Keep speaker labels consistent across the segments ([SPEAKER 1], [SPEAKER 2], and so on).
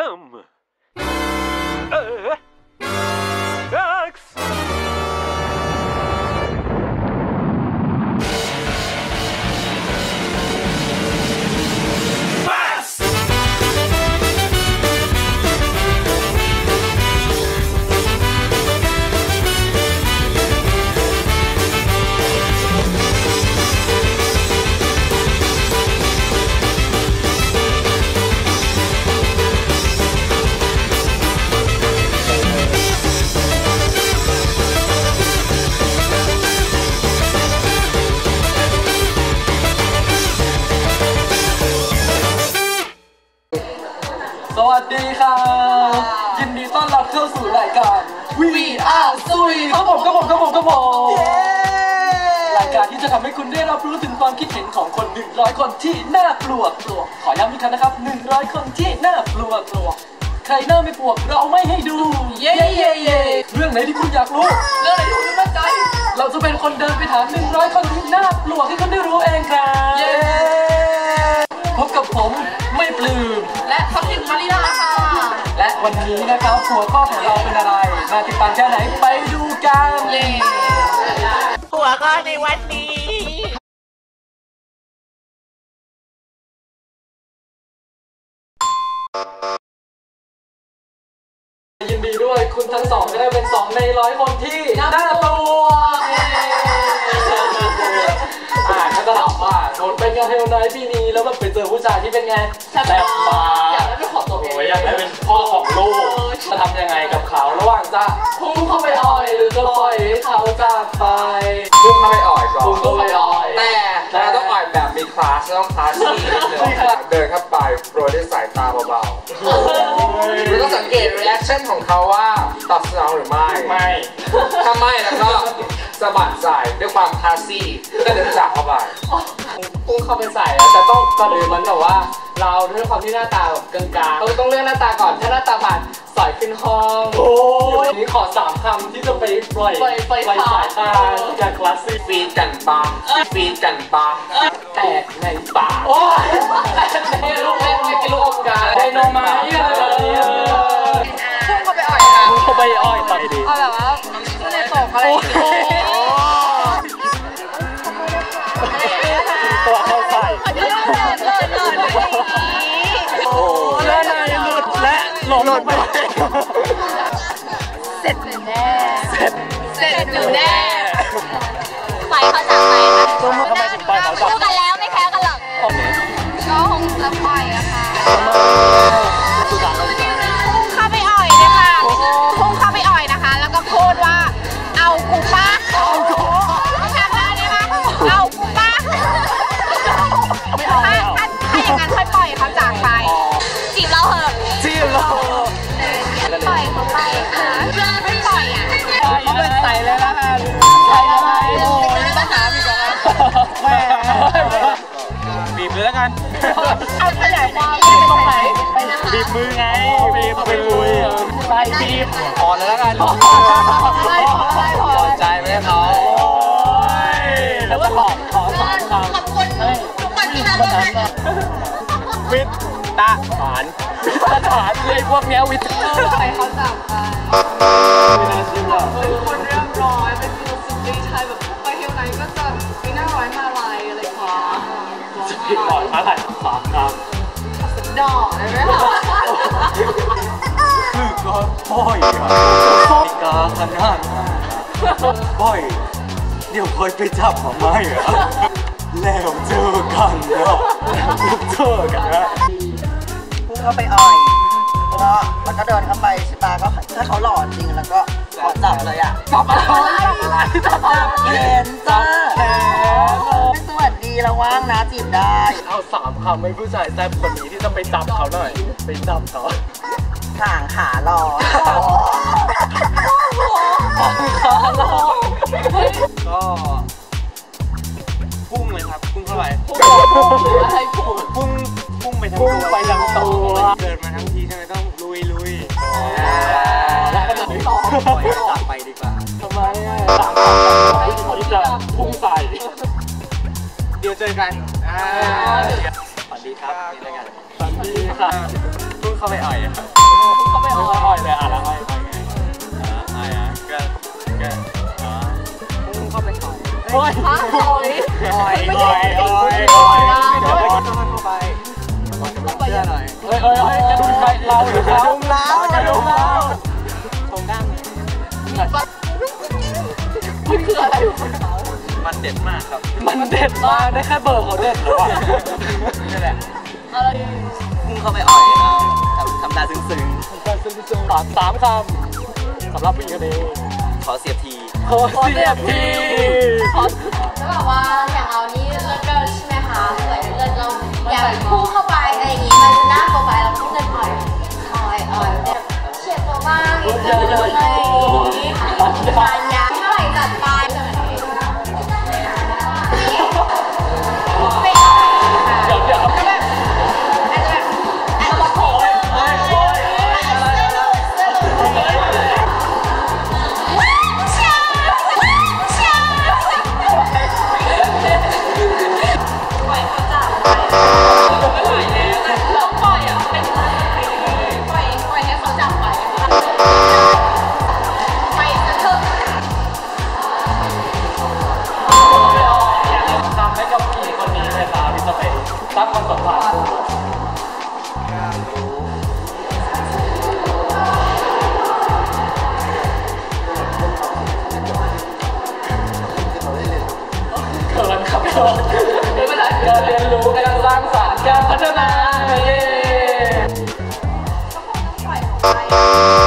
[SPEAKER 1] สวัสดีค่ะยินดีต้อนรับเข้าสู่รายการ We Are ซุยครับผมรายการที่จะทำให้คุณได้รับรู้ถึงความคิดเห็นของคน100คนที่น่ากลัวขอย้ำอีกครั้งนะครับ100คนที่น่ากลัวใครหน้าไม่ปวกเราไม่ให้ดูเย้เรื่องไหนที่คุณอยากรู้เรื่องไหนที่คุณไม่มั่นใจเราจะเป็นคนเดินไปถาม100คนที่น่ากลัวให้คุณได้รู้เองครับเย้พบกับผมไม่ปลื้มและทัพทิมมารินาค่ะและวันนี้นะครับหัวข้อของเราเป็นอะไรน่าติดตามแค่ไหนไปดูกัน
[SPEAKER 2] หัวข้อในวันนี้
[SPEAKER 1] ยินดีด้วยคุณทั้งสองจะได้เป็น2 ใน 100 คนที่น่ากลัวก็จะถามว่าโดนเป็นงานเทลไนท์ปีนี้แล้วแบบไปเจอผู้ชายที่เป็นไงแซ่บมากอยากได้เป็นของตัวเองอยากได้เป็นพ่อของลูกจะทำยังไงกับเขาระหว่างจะพุ่งเข้าไปอ่อยหรือจะปล่อยให้เขาจากไป
[SPEAKER 3] พุ่งเข้าไปอ่อยก่อน
[SPEAKER 1] พุ่งเข้าไปอ่อย
[SPEAKER 3] แต่เราต้องอ่อยแบบมีคลาสต้องคลาสที่เดินเข้าไปโปรยด้วยสายตาเบาๆแล้วก็สังเกตรีแอคชั่นของเขาว่าตอบสนองหรือไม่ถ้าไม่แล้วก็สะบัดใส่ด้วยความคลาสซี่ก็เดินจากเข้าไป
[SPEAKER 1] พุ่งเข้าไปใส่แล้วแต่ต้องก่อนอื่นมันแบบว่าเราด้วยความที่หน้าตาแบบกลางๆต้องเลือกหน้าตาก่อนถ้าหน้าตาผ่านสอยขึ้นห้องทีนี้ขอ3 คำที่จะไปปล่อยสายตาจากคลาสสิก
[SPEAKER 3] ฟีดกันปัง
[SPEAKER 1] แตกในปากโอ้ยในลูกเล่นไม่กินลูกอมกันไดโนไม้อะไรแบบนี้
[SPEAKER 2] พุ่งเข้าไปอ่อยค่ะ
[SPEAKER 1] พุ่งเข้าไปอ่อยต่อยดี
[SPEAKER 2] เอาแบบว่าขึ้นในตกอะไร
[SPEAKER 1] ตัวเข้าใส่และนายหลุดและหลงไป
[SPEAKER 2] เสร็จหนูแน่ไปเขาจากไปค่ะ
[SPEAKER 1] ทำไมถึงไปเขาจาก
[SPEAKER 2] คู่กันแล้วไม่แพ้กันหรอกก็คงจะปล่อยอะค่ะพุ่งเข้าไปอ่อยนะคะพุ่งเข้าไปอ่อยนะคะแล้วก็พูดว่าเอากูป้าเอากูทำได้ไหมคะเอากูป้าถ้าอย่างนั้นค่อยปล่อยเขาจากไปจีบเราเหอะปล่อยเขาไปค่ะไม่ปล่อยอ่ะ
[SPEAKER 1] เขาเป็นใส่เลยละกันใส่อะไรโอ้ยต้องหาอีกแล้วแม่บีบเลยแล้วกัน
[SPEAKER 2] เอาขยายความ
[SPEAKER 1] บีบตรงไหนบีบมือไงบีบไปคุยใส่บีบอ่อนเลยแล้วกันพอใจไหมเขาแล้วก็ขอ
[SPEAKER 2] ขอบคุณทุกคนที่มาร่วมงาน
[SPEAKER 1] วิทย์ทหารเลยพวกเนี้ยวิทย์
[SPEAKER 2] ไปเขาจับไป
[SPEAKER 1] ไม่น่าเชื่อ
[SPEAKER 2] คนเรียบร้อยเป็นฟิลสตรีทไทยแบบไปเที่ยวไหนก็จะมีหน้าร้อยมาลายอะไรอย่างเงี้ย
[SPEAKER 1] สตรีทร้อยมาลาย3 ครั้ง
[SPEAKER 2] ดอกได้ไหมคะ
[SPEAKER 1] คือก็บ่อยกาขนาดบ่อยเดี๋ยวคอยไปจับมาไหมแล้วเจอกันแล้ว
[SPEAKER 4] พุ่งเข้าไปอ่อยแล้วก็เดินเข้าไปใช่ปะก็ถ้าเขาหล่อจริงแล้วก็ขอจับเลยอ่ะ
[SPEAKER 1] จับอะไร
[SPEAKER 4] เห็นจ้าสวัสดีแล้วว่างนะจีบได้
[SPEAKER 1] เอา3 คำให้ผู้ชายแซ่บคนนี้ที่จะไปจับเขาหน่อยไปจับเขา
[SPEAKER 4] ห่างขาหล่อ
[SPEAKER 1] ก็พุ่งเลยครับพุ่งเข้าไปพุ่งไปทั้งตัวเดินมาทั้งทีใช่ไหมต้องลุยแล้วก็จะปล่อยจากไปดีกว่าทำไมที่จะพุ่งใส่เดี๋ยวเจอกันสวัสดีครับนี่แล้วกันสวัสดีค่ะ
[SPEAKER 3] เข้าไปอ่อย
[SPEAKER 1] เขาไม่อ่อยเลยอ่ะแล้วอ่อยไง
[SPEAKER 3] อ่อยอ่ะก็
[SPEAKER 1] พุ่งเข้าไปอ่อย
[SPEAKER 2] ฮะอ่อย
[SPEAKER 1] อ่อย
[SPEAKER 2] ไม่ใช่
[SPEAKER 1] เดี๋ยวเข้าไปเชื่อหน่อยเฮ้ยกระดุมใครเราหรือเขากระดุมเราชงด้าน
[SPEAKER 2] มันคืออะไร
[SPEAKER 3] มันเด็ดมากครับ
[SPEAKER 1] มันเด็ดมากได้แค่เบอร์เขาเด็ดหรือวะนี่แหละ
[SPEAKER 2] อะไร
[SPEAKER 3] พุ่งเข้าไปอ่อยทำตาซึ้ง
[SPEAKER 1] การซึ้งๆ3 คำสำหรับผู้หญิงคนนี้
[SPEAKER 3] ๆขอเสียบที
[SPEAKER 1] ขอเสียบที
[SPEAKER 2] แล้วแบบว่าอย่างเรานี่เลิศเกินใช่ไหมคะเหมือนเลิศเราอยากพุ่งเข้าไปอะไรอย่างงี้มันจะน่าโปรไฟล์เราพุ่งเงินอ่อยแบบเฉียดตัวบ้างนิดนึงอะไรอย่างงี้ทานยาเท่าไหร่จัดไปไม่อ่อยค่ะ
[SPEAKER 1] เดี๋ยว
[SPEAKER 2] ก็แบบอาจจะแบบอาจจะบอกเสื้อหลุดปล่อยเขาจับไม่ไหวแล้วต้องปล่อยอ่ะเป็นปล่อยให้เขาจับไปไปซะเถอะ
[SPEAKER 1] ทำให้กับผู้หญิงคนนี้เลยครับพี่สเปนสร้างความสัมพันธ์เขินครับไม่เป็นไรการเรียนรู้การสร้างสรรค์การพัฒนาเย้
[SPEAKER 2] ปล่อยเขาไปลอยน่า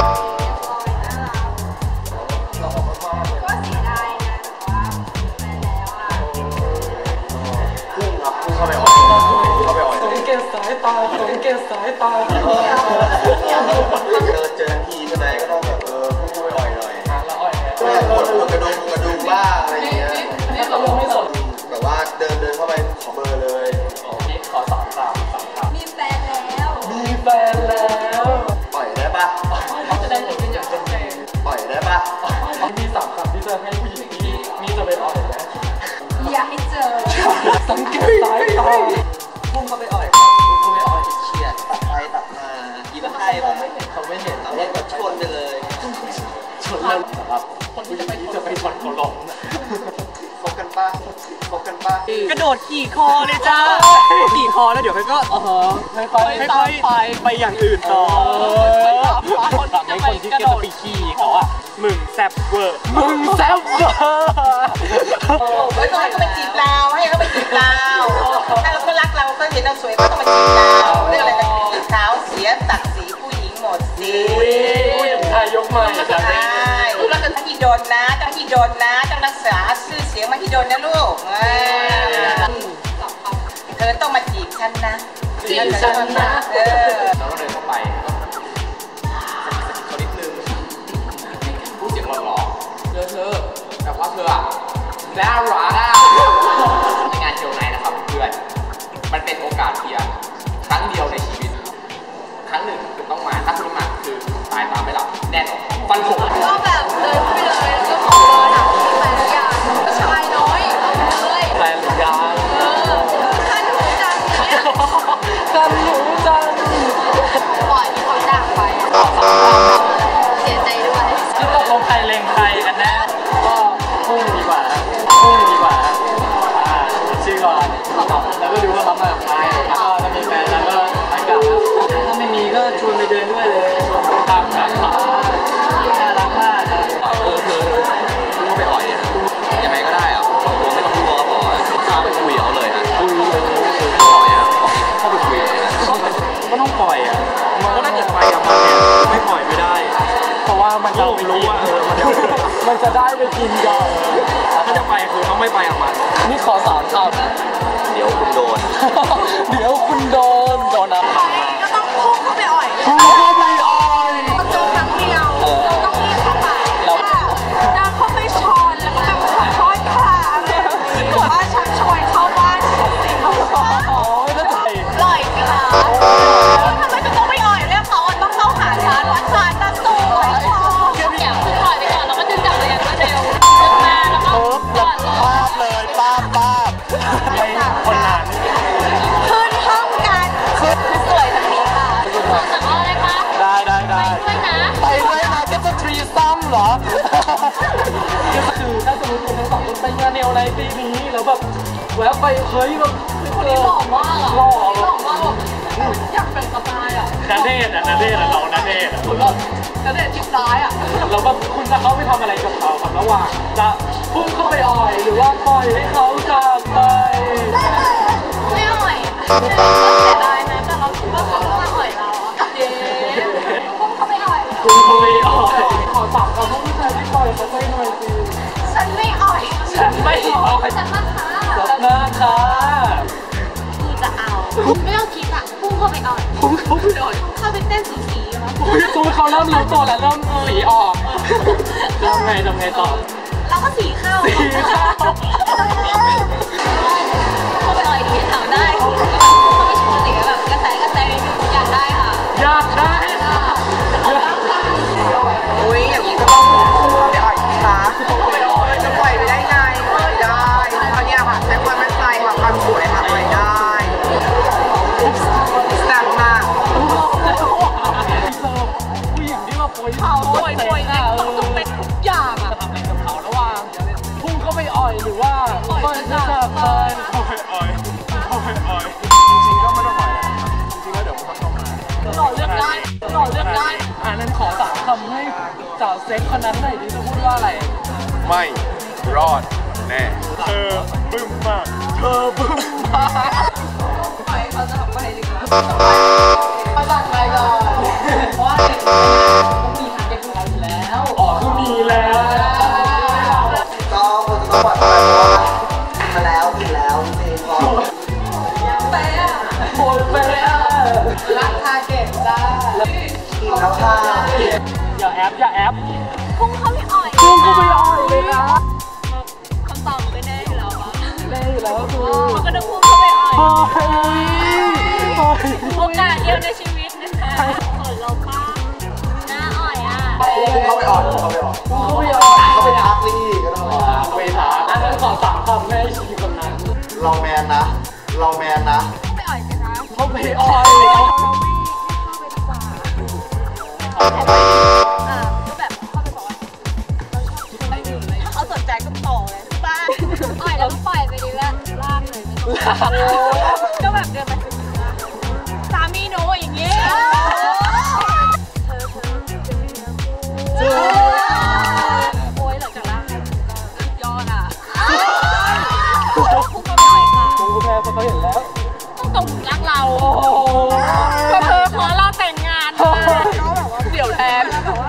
[SPEAKER 2] รักก็เสียดายนะแต่ว่าไปแล้วอ่ะ
[SPEAKER 3] พุ่งเข้าไปอ่อย
[SPEAKER 1] สังเกตสายตาสังเกตสายตา
[SPEAKER 3] เจอทีก็ได้ก็ต้องแบบพุ่งเข้าไปอ่อยหน่อย
[SPEAKER 1] แล้วอ่อยเนี่ย
[SPEAKER 3] กระดูกบ้างอะไรอย่างเงี้ย
[SPEAKER 1] นี่เขาลงไม่สน
[SPEAKER 3] แบบว่าเดินเข้าไปขอเบอร์เลย
[SPEAKER 1] นี่ขอ3 คำ
[SPEAKER 2] มีแฟนแล้ว
[SPEAKER 1] มีแฟนแล้ว
[SPEAKER 3] ปล่อยได้ปะ
[SPEAKER 1] จะได้เป็นอย่างเป็นใจ
[SPEAKER 3] ปล่อยได้ปะ
[SPEAKER 1] มี3 คำที่จะให้ผู้หญิงที่มีจะเป็นอ่อยนะ
[SPEAKER 2] อย่าให้เจอ
[SPEAKER 1] สังเกตสายตา
[SPEAKER 3] พุ่งเข้าไปอ่อย
[SPEAKER 1] คุณไม่อ่อย
[SPEAKER 3] เฉียดตัดไปตัดมายิ้มให้เขาไม่เห็นเอาเล่นก็ชนไปเลย
[SPEAKER 1] ชนแล้วครับคนที่จะไปชนเขาล้มนะ
[SPEAKER 3] คบกันปะ
[SPEAKER 4] กระโดดขี่คอเลยจ้าขี่คอแล้วเดี๋ยวก็
[SPEAKER 1] ค่อยๆไปอย่างอื่นต่อคนที่จะไปกระโดดไปขี่เขาอะมึงแซบเวอร์
[SPEAKER 4] ให้เขาไปจีบเราให้เขาไปจีบเราถ้าเราก็รักเราก็เห็นเราสวยก็ต้องมาจีบเราเรื่องอะไรกันจีบสาวเสียศักดิ์ศรีผู้หญิงหมดสิ
[SPEAKER 1] ผู้หญิงไทยยกมา
[SPEAKER 4] ใช่แล้วก็ที่โดนนะต้องรักษาชื่อเสียงมาที่โดนนะลูกเธอต้องมาจีบฉันนะ
[SPEAKER 1] จีบฉันนะ
[SPEAKER 3] เราก็เดินเข้าไปเขานิดนึงพูดเสียงหล่อๆเธอแบบว่าเธออะน่ารักอะในงานเที่ยวไหนนะครับเพื่อนมันเป็นโอกาสเพียงครั้งเดียวในชีวิตครั้งหนึ่งคุณต้องมาถ้าคุณไม่มาคือตายตามไม่หลับแน่นอนฟันผง
[SPEAKER 2] ก็แบบเดินไปเลยแล้วก็ขอเบอร์ถามมีแฟนหรือยังชายน้อยเอาเลย
[SPEAKER 1] แฟนหรือยัง
[SPEAKER 2] คันหูจังเนี่ย
[SPEAKER 1] กันหนูจัง
[SPEAKER 2] ปล่อยให้เขาจากไปเสียใจด้วย
[SPEAKER 1] ที่ตกลงใครเล็งใครกันแน่ก็พุ่งดีกว่าชื่อก่อนแล้วก็ดูว่าเขามากับใครแล้วก็ถ้ามีแฟนแล้วก็ไปกลับถ้าไม่มีก็ชวนไปเดินด้วยเลยชวนไปตามหาเขาน่ารักมากนะ
[SPEAKER 3] เธอรู้ไปอ่อยยังไงก็ได้อะผมไม่ต้องกลัวก็พอเข้าไปคุยเขาเลยฮะคุยอ่อยอะเข้าไปคุยเลยก็ต้องปล่อยอะมันก็น่าจะไปกับมันเนี่ยไม่ปล่อยไม่ได้
[SPEAKER 1] เพราะว่ามันจะไปรู้ว่ามันจะได้ไปกินก่อนถ้าจะไปคือต้องไม่ไปกับมันนี่ขอ3 คำ
[SPEAKER 3] เดี๋ยวคุณโดน
[SPEAKER 1] เดี๋ยวคุณโดนอะไร
[SPEAKER 2] ก็ต้องพุ่งเข้าไปอ่อย
[SPEAKER 1] พุ่งเข้าไปอ่อย
[SPEAKER 2] เจอครั้งเดียวเราต้องรีบเข้าไปเดินเข้าไปชนแล้วก็แบบขอโทษค่ะอะไรแบบนี้หรือว่าชักชวนเข้าบ้านสิเขาบอก
[SPEAKER 1] อ๋อไม่ได้ใจ
[SPEAKER 2] ปล่อยสิคะทำไมจะต้องไปอ่อยเรียกเขาต้องเข้าหาฉันว่าฉันจะสวยชอบอยากปล่อยไปก่อนแล้วก็ดึงจับเลยอย่างรวดเร็วดึงมาแล้วก็กอดเลย
[SPEAKER 3] ป้าบเลยป้าบ
[SPEAKER 1] ไม่คนนั้น
[SPEAKER 2] ขึ้นห้องกันคือสวยแบบนี้ค่ะรู้สึกว่าอะไร
[SPEAKER 4] กูเหรอ
[SPEAKER 1] ก็คือถ้าสมมติคุณทั้งสองคนไปงานแนวในปีนี้แล้วแบบแวะไปเฮ้ยแบบคนนี้หล่อมากหล่อมากแบบอยากเป็นสไตล์นาเดชน์นาเดชน์เรานาเดชน์คุณก็นาเดชน์ทิศซ้ายแล้วแบบคุณจะเข้าไปทำอะไรกับเขาครับระหว่างจะพุ่งเข้าไปอ่อยหรือว่าปล่อยให้เขาจากไป
[SPEAKER 2] ไม่อ่อยก็เสียดายนะแต่เราคิดว่าเขาต้องมาอ่อยเราเย้พุ่งเข้าไปอ่อย
[SPEAKER 1] พุ่งเข้าไปอ่อยขอฝากกับผู้ชายที่ปล่อยเขาไปหน่อยสิ
[SPEAKER 2] ฉันไม่อ่อย
[SPEAKER 1] ฉันไม่อ่อย
[SPEAKER 2] ฉันมาค่ะ
[SPEAKER 1] สับหน้าค่ะ
[SPEAKER 2] กูจะเอาไม่ต้องคิดอ่ะพุ่งเข้าไปอ่อย
[SPEAKER 1] พุ่งเข้าไปอ่อย
[SPEAKER 2] เข้าไปเต้นสีมั้ย
[SPEAKER 1] ตูเขาเริ่มรู้ตัวแล้วเริ่มสีออกทำไงต่อ
[SPEAKER 2] เราก็สีเข้าเข้าไปอ่อยดีถามได้เข้าไปชวนสีแบบกระแสอยากได้ค่ะ
[SPEAKER 1] อยากได้
[SPEAKER 4] อุ้ยอย่างนี้ก็ต้องเข้าไปอ่อยค่ะจะปล่อยไปได้ไงปล่อยได้เพราะเนี่ยค่ะใช้ความมั่นใจความสวยค่ะปล่อยได้แซ่บมาก
[SPEAKER 1] ผู้หญิงที่มาโปรยเขาโปรยเนี่ยต้องเป็นทุกอย่างจะทำอะไรกับเขาระหว่างพุ่งเข้าไปอ่อยหรือว่าปล่อยจากไปเข้าไปอ่อยจริงๆก็ไม่ต้องอ่อยจริงๆแล้วเดี๋ยวมันก็ต้องมาหล่อเลือกได้นั้นขอสามคำให้สาวเซ็กคนนั้นหน่อยดิจะพูดว่าอะไร
[SPEAKER 3] ไม่รอดแน่เธอบึ้มมาก
[SPEAKER 2] ปล่อยเขาจะทำไปดีกว่า
[SPEAKER 1] มาจากใครก่อนเพราะว่าเด็กต้องมีทางเด็กของเราอยู่แล้วคือมีแล้ว
[SPEAKER 4] ก็คนจะต้องปล่อยไปเพราะว่ามาแล้วถึงแล้วจริงๆพอ
[SPEAKER 1] เป๊ะโคตรเป๊ะ
[SPEAKER 2] รักทาเก็บได้
[SPEAKER 4] กินแล้วค่ะ
[SPEAKER 1] อย่าแอป
[SPEAKER 2] พุ่งเข้าไปอ่อย
[SPEAKER 1] เลยนะ
[SPEAKER 2] คำตอบไม่แน่อยู่แล้ว
[SPEAKER 1] คือ
[SPEAKER 2] มันก็ต้องพุ่งเข้าไปอ่อยโอกาสเดียวในชีวิตนะคะขอเราป้าหน้าอ่อย
[SPEAKER 4] เข้าไปอ่อยเข้าไปทักลี่ก็ต้อง
[SPEAKER 1] ไปทักอันนั้นขอสามคำให้ชีวิตคนนั้น
[SPEAKER 4] เราแมนนะ
[SPEAKER 2] ไปอ่อยกันนะ
[SPEAKER 1] เข้าไปอ่อย
[SPEAKER 2] ก็แบบเข้าไปบอกว่าเราชอบไม่ดื่มเลยถ้าเขาสนใจก็ต่อเลยป้าอ่อยแล้วก็ปล่อยไปดีว่าลากเลยก็แบบเดินไปสามีหนูอย่างเงี้ยโอ้ยหลังจากลากยอดพุ่งเข้าไปหน่อยค่ะ
[SPEAKER 1] พุ่งแพ้เพราะเขาเห็นแล้ว
[SPEAKER 2] ต้องรักเราเธอขอเราแต่งงานเขาแบบว่าเดี่ยวแทนแล้วแบบว่า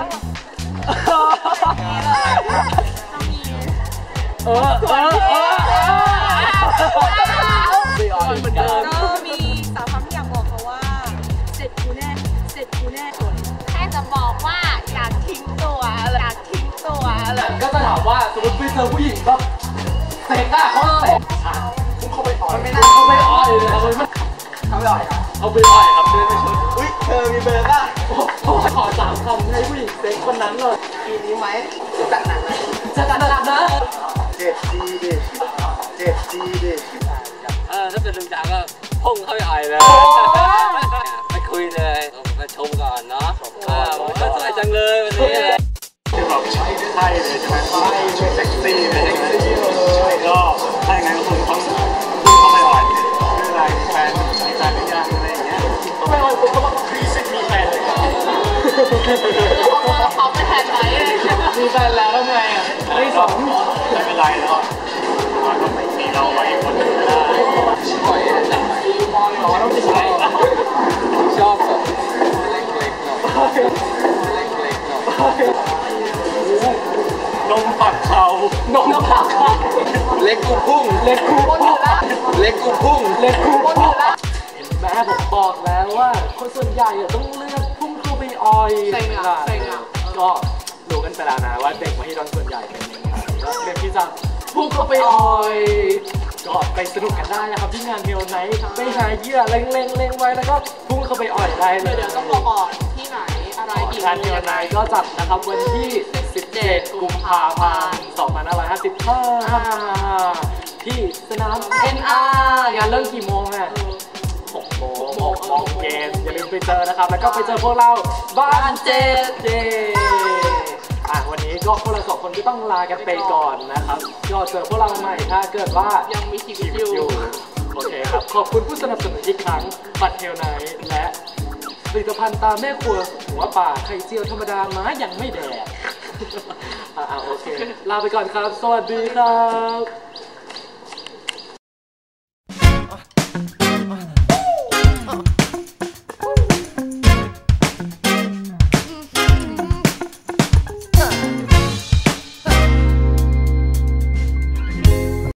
[SPEAKER 1] เหมือนเดิม
[SPEAKER 2] ก็มีสาวคำที่อยากบอกเขาว่าเสร็จกูแน่แค่จะบอกว่าอยากทิ้งตัวเลย
[SPEAKER 1] ก็จะถามว่าสมมติไปเจอผู้หญิงแบบเซ็กเขาเซ็กพุ่งเข้าไปอ่อยไม่น่าเข้าไปอ่อยเลย
[SPEAKER 4] เขาไปอ่อยครับ
[SPEAKER 1] เอาไปอ่อยครับเดินไปชน
[SPEAKER 4] อุ้ยเธอมีเบอร์ป่ะ
[SPEAKER 1] ขอสามคำให้ผู้หญิงเซ็กคนนั้นเลย
[SPEAKER 4] ทีนี้ไหมจัดหนักนะเจ็บดีดิ
[SPEAKER 1] ถ้าเป็นลุงจ๋าก็พุ่งเข้าไปอ่อยเลยไปคุยเลยมาชมก่อนเนาะก็สวยจังเลยวันนี้
[SPEAKER 3] ที่แบบใช่เลยใช่ไหมใช่เซ็กซี่เลยใช่ก็ถ้าอย่างนั้นคุณต้องเข้าไปอ่อยเรื่องอะไรแฟนหรือยังอะไรอย่างเงี้ย
[SPEAKER 1] ต้องไปอ่อยผมก็บอก
[SPEAKER 3] มีแฟนเลย
[SPEAKER 2] เขาไปแทนไหน
[SPEAKER 1] มีแฟนแล้วทำไงไม่สอง
[SPEAKER 3] ไม่เป็นไรแล้วก็มีเราไว้คนหนึ่งได้
[SPEAKER 1] ปล่อยจับไปต้องติดใจชอบแบบเล็กๆหน่อย
[SPEAKER 3] นมปักเขา
[SPEAKER 1] เล็กกูพุ่งแม่ผมบอกแล้วว่าคนส่วนใหญ่ต้องเลือกพุ่งเข้าไปอ่อย
[SPEAKER 2] เซ็งอ่ะ
[SPEAKER 1] ก็รู้กันไปแล้วนะว่าเด็กมหิดลส่วนใหญ่เป็นยังไงก็เรียนที่จะพุ่งเข้าไปอ่อยก็ไปสนุกกันได้นะครับที่งานเมลไนท์ไปหาเหยื่อเล็งไว้แล้วก็พุ่งเข้าไปอ่อยได้เลย
[SPEAKER 2] เดี๋ยวต้องบอกก่อนที่ไหนอะไรอีก
[SPEAKER 1] งานเมลไนท์ก็จัดนะครับวันที่17 กุมภาพันธ์ 2555ที่สนาม NR งานเริ่มกี่โมงอ่ะ6 โมงเย็นอย่าลืมไปเจอนะครับแล้วก็ไปเจอพวกเราบ้านเจวันนี้ก็พวกเรา2 คนก็ต้องลากันไปก่อนนะครับก็เจอพวกเราใหม่ถ้าเกิดว่ายังมีชีวิตอยู่โอเคครับขอบคุณผู้สนับสนุนอีกครั้งบัตรเทลไนท์และผลิตภัณฑ์ตาแม่ครัวหัวป่าไข่เจียวธรรมดาม้ายังไม่แดกโอเคลาไปก่อนครับสวัสดีครับ